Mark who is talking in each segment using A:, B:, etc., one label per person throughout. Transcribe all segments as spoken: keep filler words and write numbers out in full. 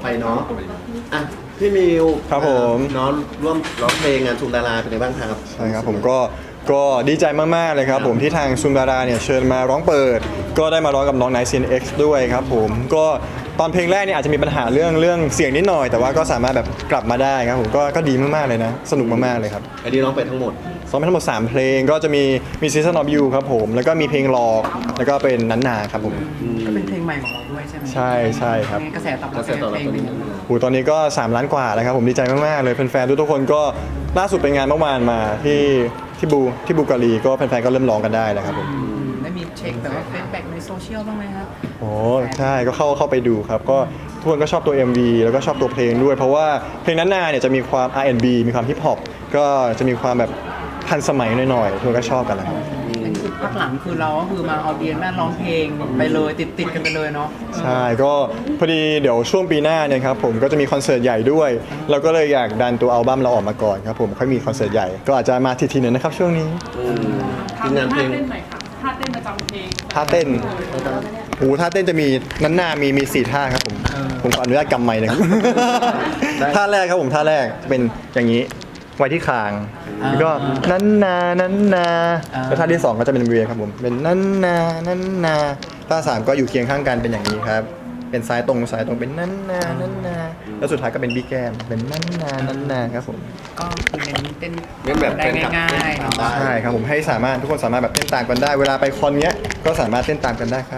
A: เนาะอ่ะพี่มิว
B: ครับผม
A: น้องร่วมร้องเพลงงานชุมดาราเป็นไงบ้างครับ
B: ใช่ครับผมก็ก็ดีใจมากๆเลยครับผมที่ทางซุมดาราเนี่ยเชิญมาร้องเปิด ก็ได้มาร้องกับน้องไนซ์ซีนเอ็กซ์ด้วยครับผมก็ตอนเพลงแรกเนี่ยอาจจะมีปัญหาเรื่องเรื่องเสียงนิดหน่อย แต่ว่าก็สามารถแบบกลับมาได้ครับผมก็ก็ดีมากๆเลยนะสนุกมากๆเลยครับ
A: อันนี้ร้องไปทั้งหมด
B: ซ้อมไปทั้งหมดสามเพลงก็จะมีมี Season of You ครับผมแล้วก็มีเพลงหลอกแล้วก็เป็นนันนาครับผม
C: ก็เป็นเพลงใหม่ของเราด้วยใช่ไหม
B: ใช่ใช่ครับ
C: กระแสตอบ
A: ก
C: รับ
A: ระแสตอบรับ
C: เพลง
A: ตอน
C: เป็น
A: นี้
C: ยังไง
B: โหตอนนี้ก็สามล้านกว่าแล้วครับผมดีใจมากๆเลยแฟนๆทุกๆคนก็ล่าสุดเป็นงานเมื่อวานมาที่ที่บูที่บูการีก็แฟนๆก็เริ่มร้องกันได้แล้วครับผม
C: ได้มีเช็คแบบว่าเฟซแบ็กในโซเชียลบ้างไหมครับ
B: โอ้ใช่ก็เข้าเข้าไปดูครับก็ทุกคนก็ชอบตัว เอ็ม วี แล้วก็ชอบตัวเพลงด้วย เพราะว่าเพลงนั้นนาเนี่ยจะมีความ อาร์ แอนด์ บี มีความฮิปฮอปก็จะมีความแบบทันสมัยหน่อยๆทุกคนก็ชอบกันแหละครับ
C: เป็นคือพักหลังคือเราก็คือมาออเดียนแม่ร้องเพลงไปเลยติดติดๆกันไปเลยเนาะ
B: ใช่ก็พอดีเดี๋ยวช่วงปีหน้าเนี่ยครับผมก็จะมีคอนเสิร์ตใหญ่ด้วย เราก็เลยอยากดันตัวอัลบั้มเราออกมาก่อนครับผมค่อยมีคอนเสิร์ตใหญ่ก็อาจจะมาทีๆหนึงนะครับช่วงนี้
A: อืม
D: ท่า
A: ทีมงานเพลง
D: เต้นหน่อยค่ะท่าเต้นประจำเพลง
B: ท่าเต้นโอ้ท่าเต้นจะมีนั้นนามีมีสี่ท่าครับผมผมขออนุญาตกำไมค์นะครับ ท่าแรกครับผมท่าแรกเป็นอย่างนี้ไว้ที่คางแล้วก็นั้นนานั้นนาแล้วท่าที่สองก็จะเป็นเวียครับผมเป็นนั้นนานั้นนาท่าสามก็อยู่เคียงข้างกันเป็นอย่างนี้ครับเป็นซ้ายตรงซ้ายตรงเป็นนั้นนานั้นนาแล้วสุดท้ายก็เป็นบิ๊กแกมเป็นนั้นนานั้นนาครับผม
C: ก็คือเน้นเต้น
A: เน้นแบบ
C: ได้
A: เต้นกับ
C: ง่ายๆ
A: เต้น
C: เนาะ
A: ตามได้
B: ใช่ครับผมให้สามารถทุกคนสามารถแบบเต้นตามกันได้ เวลาไปคอนเนี้ยก็สามารถเต้นตามกันได้ครับ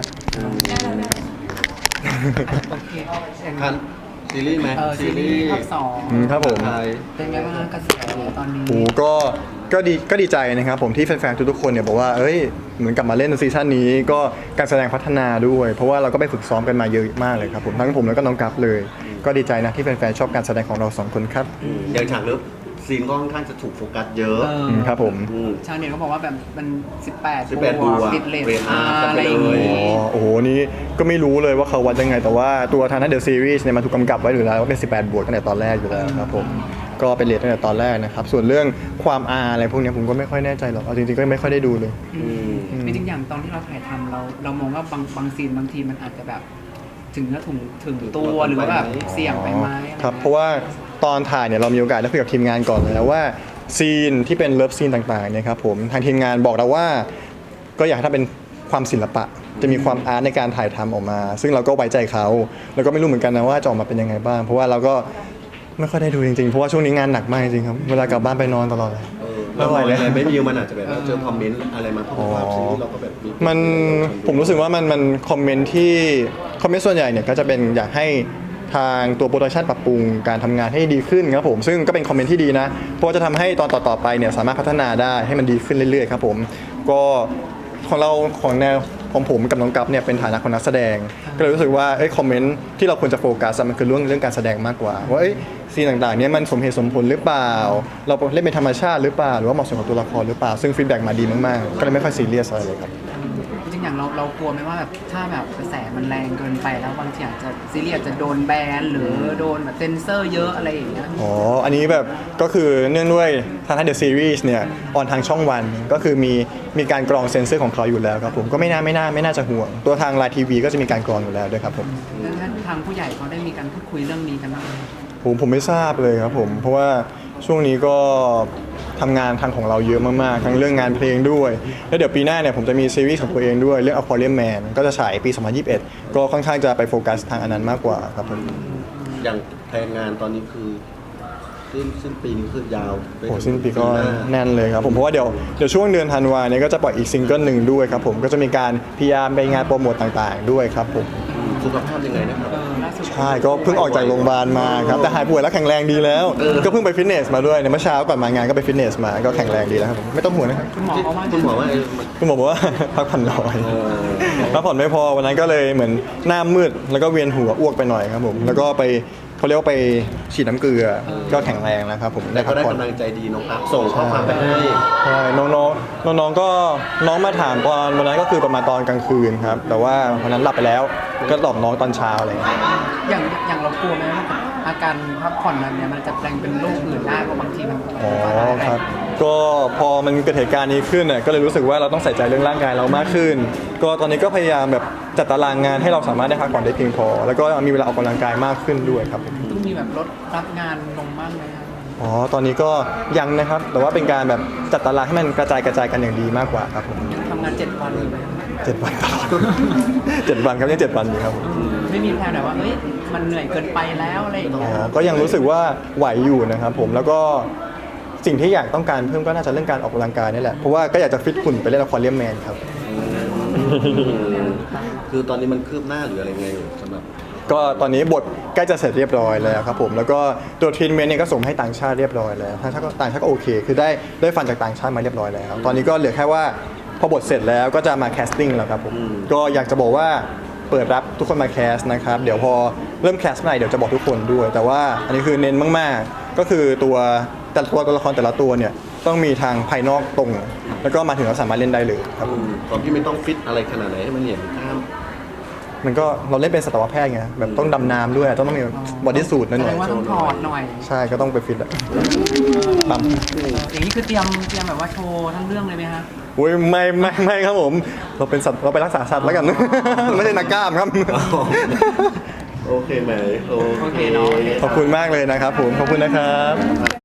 C: โอเคอย่าง
A: คันซีรีส์ไหม
C: เออซีรีส์ภาคสอง
B: อืมครับผม
A: ไทย
C: เป็นไงบ้างกระแสตอนนี้
B: โอ้ก็ก็ดีก็ดีใจนะครับผมที่แฟนๆทุกๆคนเนี่ยบอกว่าเอ้ยเหมือนกลับมาเล่นในซีซั่นนี้ก็การแสดงพัฒนาด้วย เพราะว่าเราก็ไปฝึกซ้อมกันมาเยอะมากเลยครับผมทั้งผมแล้วก็น้องกัฟเลย ก็ดีใจนะที่แฟนๆชอบการแสดงของเราสองคนครับ
A: อย่างฉากเลิฟซีนก็ค่อนข้างจะถูกโฟกัสเยอะ
C: เออ
B: อืมครับผม
A: ม
C: ชาวเน็ตเขาบอกว่าแบบมันสิบแปด
A: สิบแปดบวก
C: ติดเลท
A: เรท
C: อา
A: อาร์
C: อะไรอย่าง
A: ไปเลย
C: งี้
B: อ๋อโอ้โหนี่ก็ไม่รู้เลยว่าเขาวัดยังไง แต่ว่าตัวทางนั้นเดอะซีรีส์เนี่ยมันถูกกำกับไว้อยู่แล้วว่าเป็นสิบแปดบวกตั้งแต่ตอนแรกอยู่แล้วครับผมก็เป็นเรทตั้งแต่ตอนแรกนะครับส่วนเรื่องความอาอะไรพวกเนี้ยผมก็ไม่ค่อยแน่ใจหรอกเอาจริงๆก็ไม่ค่อยได้ดูเลย
A: อืม
C: จริงๆอย่างตอนที่เราถ่ายทำเราเรามองว่าบางบางซีนบางทีมันอาจจะแบบถึงเนื้อถึงถึงตัวหรือว่าแบบเสี่ยงไปไหมอะไ
B: ครับเพราะว่าตอนถ่ายเนี่ยเรามีโอกาสได้คุยกับทีมงานก่อนเลยนะว่าซีนที่เป็นเลิฟซีนต่างๆเนี่ยครับผมทางทีมงานบอกเราว่าก็อยากให้ทำเป็นความศิลปะ จะมีความอาร์ตในการถ่ายทำออกมา ซึ่งเราก็ไว้ใจเขาแล้วก็ไม่รู้เหมือนกันนะว่าจะออกมาเป็นยังไงบ้าง เพราะว่าเราก็ไม่ค่อยได้ดูจริงๆเพราะว่าช่วงนี้งานหนักมากจริงๆครับเวลากลับบ้านไปนอนตลอดเลย
A: เออเราหน่อยอะไรไม่มีมันอาจจะแบบว่าเจอคอมเมนต์อะไรมาเพราะว่าซีรีส์เราก็แบบมี
B: มันผมรู้สึกว่ามันมันคอมเมนต์ที่คอมเมนต์ส่วนใหญ่เนี่ยก็จะเป็นอยากให้ทางตัวโปรดักชันปรับปรุงการทำงานให้ดีขึ้นครับผมซึ่งก็เป็นคอมเมนต์ที่ดีนะเพราะว่าจะทำให้ตอนต่อๆไปเนี่ยสามารถพัฒนาได้ให้มันดีขึ้นเรื่อยๆครับผมก็ของเราของแนวของผมกับน้องกัฟเนี่ยเป็นฐานะของนักแสดง ก็เลยรู้สึกว่าเอ้ยคอมเมนต์ที่เราควรจะโฟกัสอะมันคือเรื่องเรื่องการแสดงมากกว่าว่าเอ้ยซีนต่างๆเนี่ยมันสมเหตุสมผลหรือเปล่า เราเล่นเป็นธรรมชาติหรือเปล่าหรือว่าเหมาะสมกับตัวละครหรือเปล่าซึ่งฟีดแบ็กมาดีมากๆก็เลยไม่ค่อยซีเรียสอะไรเลยครับ
C: จริงๆอย่างเราเรากลัวไหมว่าแบบถ้าแบบกระแสมันแรงเกินไปแล้วบางทีอาจจะซีรีส์อาจจะโดนแบนหรือโดนแบบเซนเซอร์เยอะอะไรอย่างเงี้ย
B: อ๋อ อันนี้แบบก็คือเนื่องด้วยทาง The Series เนี่ยออนทางช่องวันก็คือมีมีการกรองเซ็นเซอร์ของเขาอยู่แล้วครับผมก็ไม่น่าไม่น่าไม่น่าจะห่วง ตัวทางไลน์ทีวีก็จะมีการกรองอยู่แล้วด้วยครับผม
C: ดังนั้นทางผู้ใหญ่เขาได้มีการพูดคุยเรื่องนี้กันบ้างไหม
B: ผมผมไม่ทราบเลยครับผมเพราะว่าช่วงนี้ก็ทำงานทางของเราเยอะมากๆทั้งเรื่องงานเพลงด้วยแล้วเดี๋ยวปีหน้าเนี่ยผมจะมีซีรีส์ของตัวเองด้วยเรื่อง Aquarium Man ก็จะฉายปีสองพันยี่สิบเอ็ดก็ค่อนข้างจะไปโฟกัสทางอันนั้นมากกว่าครับผม
A: อย่างแผนงานตอนนี้คือสิ้นสิ้นปีนี้คือยาวไป
B: โอ้
A: ถึง
B: สิ้นปีก็
A: หน้า
B: แน่นเลยครับผมเพราะว่าเดี๋ยวเดี๋ยวช่วงเดือนธันวาเนี่ยก็จะปล่อยอีกซิงเกิลหนึ่งด้วยครับผมก็จะมีการพยายามไปงานโปรโมทต่างๆ ด้วยครับผม
A: สุขภาพยังไงนะครับ
C: เออล่าสุด
B: ใช่ก็เพิ่งออกจากโรงพยาบาลมาครับแต่หายป่วยแล้วแข็งแรงดีแล้ว ก็เพิ่งไปฟิตเนสมาด้วยในเมื่อเช้าก่อนมางานก็ไปฟิตเนสมาก็แข็งแรงดีแล้วครับผมไม่ต้องห่วงนะครับ
C: คุณหมอเขาว่า
A: คุณหมอว่าเออมัน
B: คุณหมอบอกว่า พักผ่อนน้อย
A: เออ
B: พักผ่อนไม่พอวันนั้นก็เลยเหมือนหน้ามืดแล้วก็เวียนหัวอ้วกไปหน่อยครับผมแล้วก็ไปเขาเรียกว่าไปฉีดน้ำเกลือก็แข็งแรงแล้วครับผม
A: แต่
B: ได้
A: ก็
B: พัก
A: ได้
B: ผ่อน
A: กำลังใจดีน้องอัพส่งข้อความไปให้
B: ใช่น้องๆน้องๆก็น้องมาถามตอนวันนั้นก็คือประมาณตอนกลางคืนครับแต่ว่าวันนั้นหลับไปแล้วก็ตอบน้องตอนเช้าอะไรอย่างเงี้ย
C: อย่างอย่างเรากลัวไหมว่าอาการพักผ่อนนั้นเนี่ยมันจะแปลงเป็นโรคอื่นได้เพราะบางทีมัน
B: อ๋อครับก็พอมันเกิดเหตุการณ์นี้ขึ้นเนี่ยก็เลยรู้สึกว่าเราต้องใส่ใจเรื่องร่างกายเรามากขึ้น ก็ตอนนี้ก็พยายามแบบจัดตารางงานให้เราสามารถได้พักผ่อนได้เพียงพอ แล้วก็มีเวลาออกกำลังกายมากขึ้นด้วยครับ
C: ต้องมีแบบลดรับงานลงบ้างไหมครับ
B: อ๋อตอนนี้ก็ยังนะครับแต่ว่าเป็นการแบบจัดตารางให้มันกระจายกระจายกันอย่างดีมากกว่าครับผม
C: ยังทำงานเจ็ดวันอยู่ไหมครับ
B: เจ็ดวันตลอด เจ็ดวันครับยังเจ็ดวันอยู่ครับผม
C: ไม่มีแพลนแบบว่าเอ้ยมันเหนื่อยเกินไปแล้วอะไรอย่าง
B: อ๋
C: เงี้ย
B: อก็ยังรู้สึกว่าไหวอยู่นะครับผมแล้วก็สิ่งที่อยากต้องการเพิ่มก็น่าจะเรื่องการออกกำลังกายนี่แหละเพราะว่าก็อยากจะฟิตหุ่นไปเล่นละครเลียมแมนครับ
A: คือตอนนี้มันคืบหน้าหรืออะไรไงสำหรับ
B: ก็ตอนนี้บทใกล้จะเสร็จเรียบร้อยแล้วครับผมแล้วก็ตัวทรีทเมนต์เนี่ยก็ส่งให้ต่างชาติเรียบร้อยแล้วทางชาติก็ต่างชาติก็โอเค คือได้ได้ฟันจากต่างชาติมาเรียบร้อยแล้ว ตอนนี้ก็เหลือแค่ว่าพอบทเสร็จแล้วก็จะมาแคสติ้งแล้วครับผมก็อยากจะบอกว่าเปิดรับทุกคนมาแคสนะครับเดี๋ยวพอเริ่มแคสเมื่อไหร่เดี๋ยวจะบอกทุกคนด้วย แต่ว่าอันนี้คือเน้นมากๆ ก็คือตัวแต่ละตัวตัวละครแต่ละตัวเนี่ยต้องมีทางภายนอกตรง แล้วก็มาถึงเราสามารถเล่นได้เลยครับผม
A: ตอนที่ไม่ต้องฟิตอะไรขนาดไหนให้มันเห็นกล้าม
B: มันก็เราเล่นเป็นสัตวแพทย์ไงแบบต้องดำน้ำด้วยต้องต้องมีบอดี้สูทหน่
C: แสด
B: อย
C: งว่าต้องถอดหน่อย
B: ๆใช่ก็ต้องไปฟิตอะปั๊ม
C: อย่างนี้คือเตรียมเตรียมแบบว่าโชว์ทั้งเรื่องเลยไหมฮะ
B: อุ้ยไม่ไม่ไม่ครับผม เราเป็นสัตว์เราไปรักษาสัตว์แล้วกัน ไม่ใช่นักกล้ามครับ
A: โอเคไหม
C: โอเคเนาะ
B: ขอบคุณมากเลยนะครับผมขอบคุณนะครับ